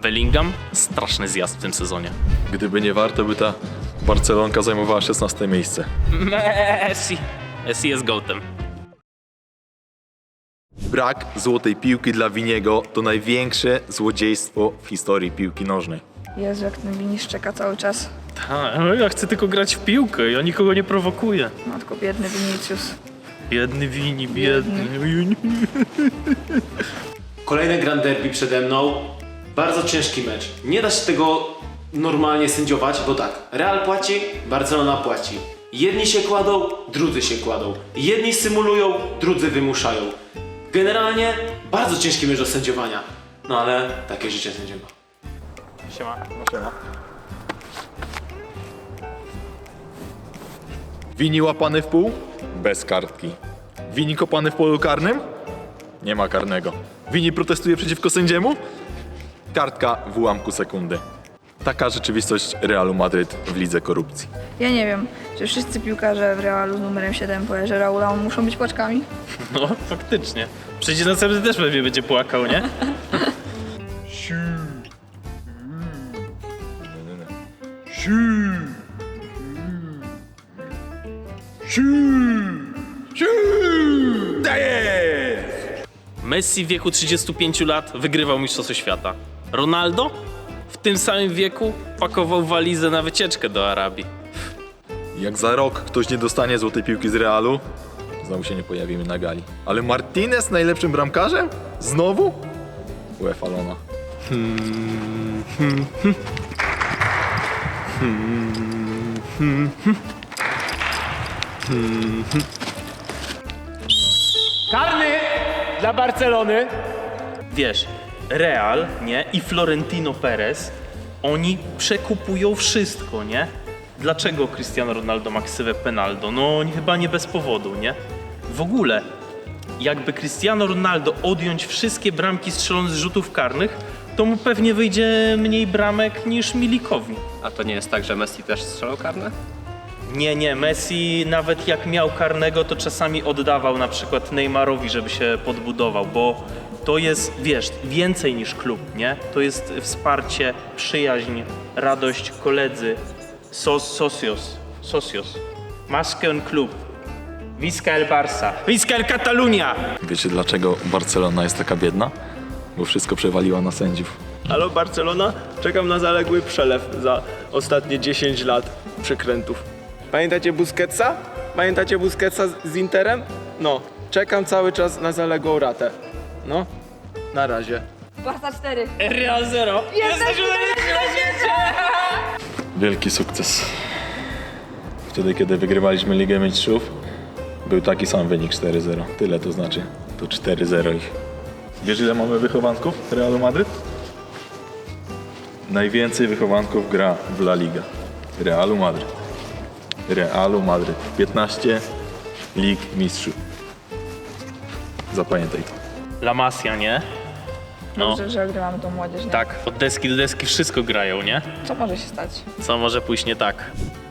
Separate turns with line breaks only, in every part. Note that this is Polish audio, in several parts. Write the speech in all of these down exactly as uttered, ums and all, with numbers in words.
Bellingham, straszny zjazd w tym sezonie.
Gdyby nie warto, by ta Barcelonka zajmowała szesnaste miejsce.
Messi. Messi jest gołtem.
Brak złotej piłki dla Winiego to największe złodziejstwo w historii piłki nożnej.
Jezu, jak ten Wini szczeka cały czas.
Tak, ja chcę tylko grać w piłkę, ja nikogo nie prowokuję.
Matko, biedny Vinicius.
Biedny Wini, biedny.
Kolejne Grand Derby przede mną. Bardzo ciężki mecz. Nie da się tego normalnie sędziować, bo tak, Real płaci, Barcelona płaci. Jedni się kładą, drudzy się kładą. Jedni symulują, drudzy wymuszają. Generalnie bardzo ciężki mecz do sędziowania. No ale takie życie sędziego.
Siema.
Wini łapany w pół? Bez kartki. Wini kopany w polu karnym? Nie ma karnego. Wini protestuje przeciwko sędziemu? Kartka w ułamku sekundy. Taka rzeczywistość Realu Madryt w lidze korupcji.
Ja nie wiem, czy wszyscy piłkarze w Realu z numerem siedem po erze Raula muszą być płaczkami?
No, faktycznie. Przecież następny też pewnie będzie płakał, nie? Messi w wieku trzydziestu pięciu lat wygrywał Mistrzostwo Świata. Ronaldo w tym samym wieku pakował walizę na wycieczkę do Arabii.
Jak za rok ktoś nie dostanie złotej piłki z Realu, znowu się nie pojawimy na gali. Ale Martinez najlepszym bramkarzem? Znowu? UEFA Lona.
Karny dla Barcelony.
Wiesz, Real, nie? I Florentino Perez, oni przekupują wszystko, nie? Dlaczego Cristiano Ronaldo ma ksywę Penaldo? No chyba nie bez powodu, nie? W ogóle, jakby Cristiano Ronaldo odjąć wszystkie bramki strzelone z rzutów karnych, to mu pewnie wyjdzie mniej bramek niż Milikowi.
A to nie jest tak, że Messi też strzelał karne?
Nie, nie, Messi nawet jak miał karnego, to czasami oddawał na przykład Neymarowi, żeby się podbudował, bo to jest, wiesz, więcej niż klub, nie? To jest wsparcie, przyjaźń, radość, koledzy, sos, socios, socios, más que un club, Visca el Barça, Visca el Catalunya!
Wiecie dlaczego Barcelona jest taka biedna? Bo wszystko przewaliła na sędziów.
Halo Barcelona, czekam na zaległy przelew za ostatnie dziesięć lat przekrętów. Pamiętacie Busquetsa? Pamiętacie Busquetsa z- z Interem? No, czekam cały czas na zaległą ratę. No, na razie.
Barca cztery.
Real zero! Jesteśmy
Wielki sukces. Wtedy, kiedy wygrywaliśmy Ligę Mistrzów, był taki sam wynik cztery zero. Tyle to znaczy. To cztery zero ich. Wiesz, ile mamy wychowanków Realu Madryt? Najwięcej wychowanków gra w La Liga. Realu Madryt. Realu Madryt. piętnaście Lig Mistrzów. Zapamiętaj to.
La Masia, nie? No,
Dobrze, że ogrywamy tą młodzież, nie?
tak, od deski do deski wszystko grają, nie?
Co może się stać?
Co może pójść nie tak?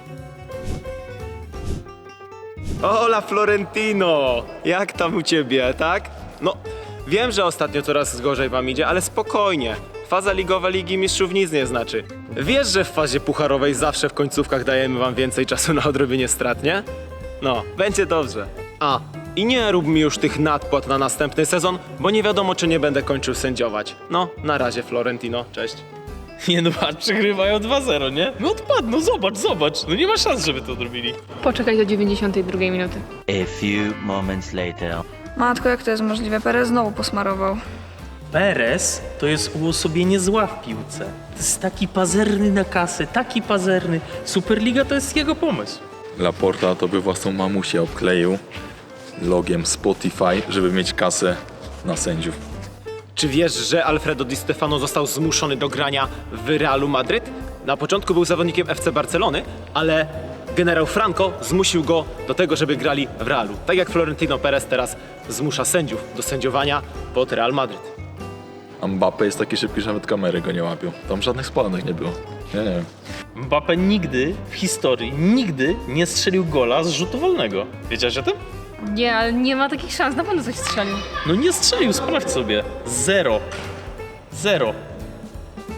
Hola Florentino! Jak tam u ciebie, tak? No, wiem, że ostatnio coraz gorzej wam idzie, ale spokojnie. Faza ligowa Ligi Mistrzów nic nie znaczy. Wiesz, że w fazie pucharowej zawsze w końcówkach dajemy wam więcej czasu na odrobienie strat, nie? No, będzie dobrze. A, i nie rób mi już tych nadpłat na następny sezon, bo nie wiadomo, czy nie będę kończył sędziować. No, na razie Florentino, cześć.
Nie no, patrz, przegrywają dwa zero, nie? No odpadną, zobacz, zobacz. No nie ma szans, żeby to odrobili.
Poczekaj do dziewięćdziesiątej drugiej minuty.
A few moments later.
Matko, jak to jest możliwe? Perez znowu posmarował.
Perez to jest uosobienie zła w piłce. To jest taki pazerny na kasę, taki pazerny. Superliga to jest jego pomysł.
Laporta to by własną mamusię obkleił logiem Spotify, żeby mieć kasę na sędziów.
Czy wiesz, że Alfredo Di Stefano został zmuszony do grania w Realu Madryt? Na początku był zawodnikiem F C Barcelony, ale generał Franco zmusił go do tego, żeby grali w Realu. Tak jak Florentino Perez teraz zmusza sędziów do sędziowania pod Real Madryt.
A Mbappé jest taki szybki, że nawet kamery go nie łapią. Tam żadnych spalonych nie było. Ja nie wiem.
Mbappé nigdy w historii, nigdy nie strzelił gola z rzutu wolnego. Wiedziałeś o tym?
Nie, ale nie ma takich szans, na pewno coś strzelił.
No nie strzelił, sprawdź sobie. Zero. Zero.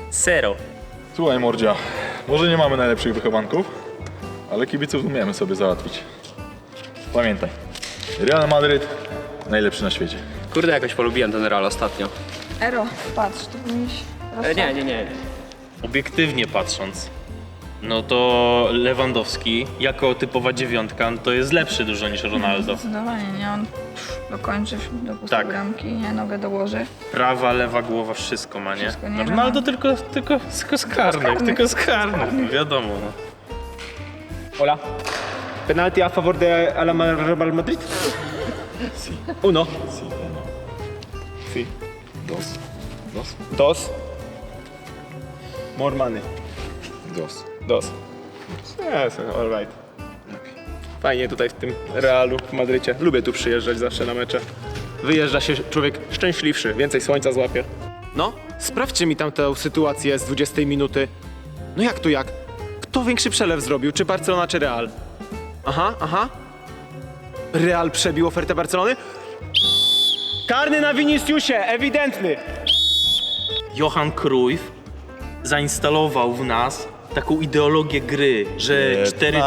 Zero.
Słuchaj, Mordzia, może nie mamy najlepszych wychowanków, ale kibiców umiemy sobie załatwić. Pamiętaj, Real Madryt najlepszy na świecie.
Kurde, jakoś polubiłem ten Real ostatnio.
Ero, patrz, tu powinieneś...
E, nie, nie, nie.
Obiektywnie patrząc, no to Lewandowski jako typowa dziewiątka no to jest lepszy dużo niż Ronaldo.
Zdecydowanie, nie? On pff, dokończy, dopuści
Tak.
bramki, nie? Nogę dołoży.
Prawa, lewa głowa, wszystko ma, nie?
Wszystko, nie?
No Ronaldo tylko, tylko, tylko z karnych,
karnych.
tylko z karnych, no wiadomo. No.
Hola. Penalty a favor de Ala Real Madrid?
Si,
Uno.
si, uno. Si, dos, dos,
Dos. More money.
dos.
Dos. Yes, all right. Fajnie tutaj w tym Realu w Madrycie. Lubię tu przyjeżdżać zawsze na mecze. Wyjeżdża się człowiek szczęśliwszy, więcej słońca złapie. No, sprawdźcie mi tam tę sytuację z dwudziestej minuty. No jak to jak? Kto większy przelew zrobił? Czy Barcelona, czy Real? Aha, aha. Real przebił ofertę Barcelony? Karny na Viniciusie, ewidentny!
Johan Cruyff zainstalował w nas taką ideologię gry, że cztery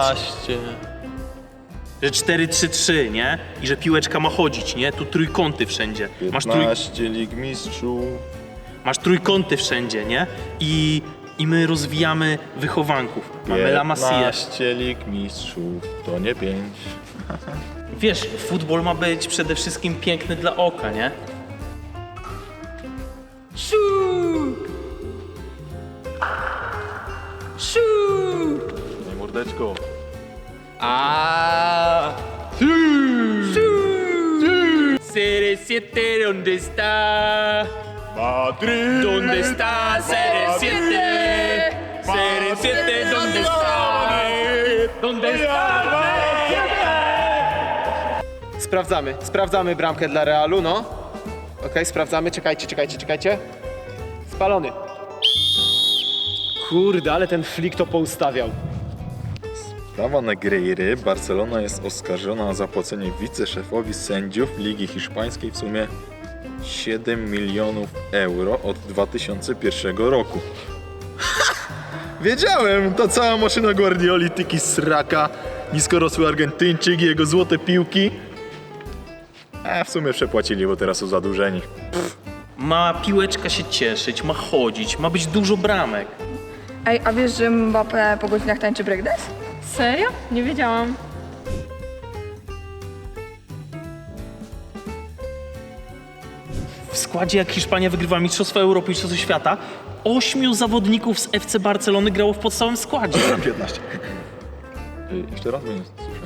że cztery trzy trzy, nie? I że piłeczka ma chodzić, nie? Tu trójkąty wszędzie. Masz, trój,
piętnaście Lig Mistrzów.
masz trójkąty wszędzie, nie? I, I my rozwijamy wychowanków. Mamy La Masia.
piętnaście Lig Mistrzów, to nie pięć.
Wiesz, futbol ma być przede wszystkim piękny dla oka, nie?
Nie mordeczko.
Ah. C R siete, ¿dónde está?
Madrid!
¿Dónde está C R siete? C R siete, ¿dónde está? ¿Dónde está?
Sprawdzamy, sprawdzamy bramkę dla Realu, no. Okej, sprawdzamy, czekajcie, czekajcie, czekajcie. Spalony. Kurde, ale ten flik to poustawiał.
Sprawa Negreiry. Barcelona jest oskarżona o zapłacenie wiceszefowi sędziów Ligi Hiszpańskiej w sumie siedem milionów euro od dwa tysiące pierwszego roku. Wiedziałem! Ta cała maszyna Guardioli, tiki sraka, niskorosły Argentyńczyk i jego złote piłki. A w sumie przepłacili, bo teraz są zadłużeni.
Ma piłeczka się cieszyć, ma chodzić, ma być dużo bramek.
Ej, a wiesz, że Mbappé po godzinach tańczy breakdance?
Serio? Nie wiedziałam.
W składzie jak Hiszpania wygrywa Mistrzostwa Europy i Mistrzostwo Świata, ośmiu zawodników z F C Barcelony grało w podstawowym składzie.
piętnaście. Y, Jeszcze raz, bo nie słyszę.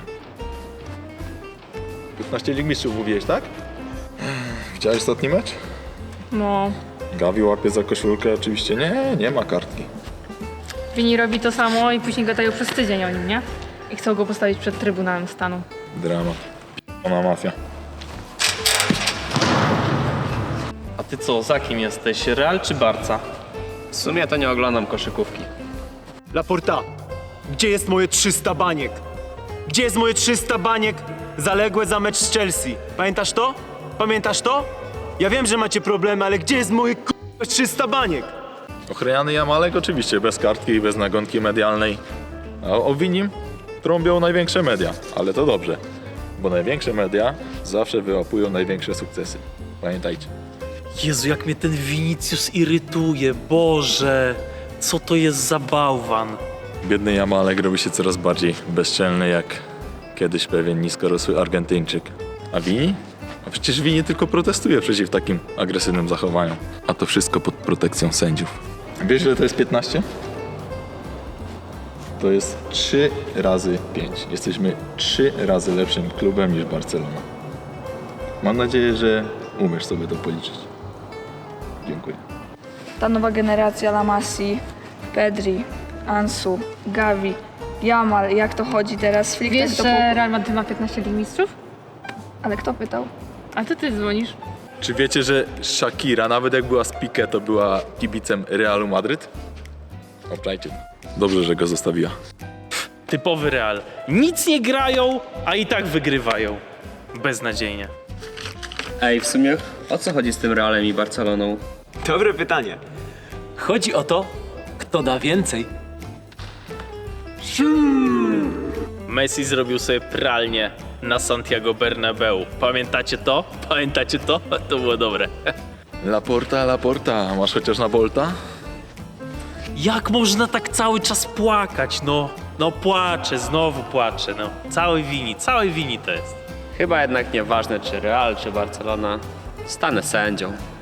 piętnaście Lig Mistrzów mówiłeś, tak? Widziałeś ostatni mecz?
No.
Gavi łapie za koszulkę, oczywiście nie, nie ma kartki.
Vini robi to samo i później gadają przez tydzień o nim, nie? I chcą go postawić przed Trybunałem Stanu.
Dramat. Ona mafia.
A ty co, za kim jesteś? Real czy Barca?
W sumie to nie oglądam koszykówki.
Laporta, gdzie jest moje trzysta baniek? Gdzie jest moje trzysta baniek zaległe za mecz z Chelsea? Pamiętasz to? Pamiętasz to? Ja wiem, że macie problemy, ale gdzie jest moje k***a trzysta baniek?
Ochroniany Jamalek oczywiście bez kartki i bez nagonki medialnej. A o Winim trąbią największe media, ale to dobrze, bo największe media zawsze wyłapują największe sukcesy. Pamiętajcie.
Jezu, jak mnie ten Vinicius irytuje, Boże! Co to jest za bałwan?
Biedny Jamalek robi się coraz bardziej bezczelny jak kiedyś pewien niskorosły Argentyńczyk. A Vini? A przecież Vini tylko protestuje przeciw takim agresywnym zachowaniom. A to wszystko pod protekcją sędziów. Wiesz, ile to jest piętnaście? To jest trzy razy pięć. Jesteśmy trzy razy lepszym klubem niż Barcelona. Mam nadzieję, że umiesz sobie to policzyć. Dziękuję.
Ta nowa generacja La Masi, Pedri, Ansu, Gavi, Yamal, jak to chodzi teraz? Flick
Wiesz,
tak to
że
po...
Real Madrid ma piętnaście Lig Mistrzów?
Ale kto pytał?
A to ty dzwonisz.
Czy wiecie, że Shakira, nawet jak była z Piqué, to była kibicem Realu Madryt? Obczajcie. Dobrze, że go zostawiła.
Typowy Real. Nic nie grają, a i tak wygrywają. Beznadziejnie.
Ej, w sumie o co chodzi z tym Realem i Barceloną?
Dobre pytanie.
Chodzi o to, kto da więcej.
Messi zrobił sobie pralnię na Santiago Bernabeu. Pamiętacie to? Pamiętacie to? To było dobre.
Laporta, Laporta, masz chociaż na Bolta?
Jak można tak cały czas płakać? No, no płaczę, znowu płaczę. No, całej wini, całej wini to jest.
Chyba jednak nieważne czy Real, czy Barcelona. Stanę sędzią.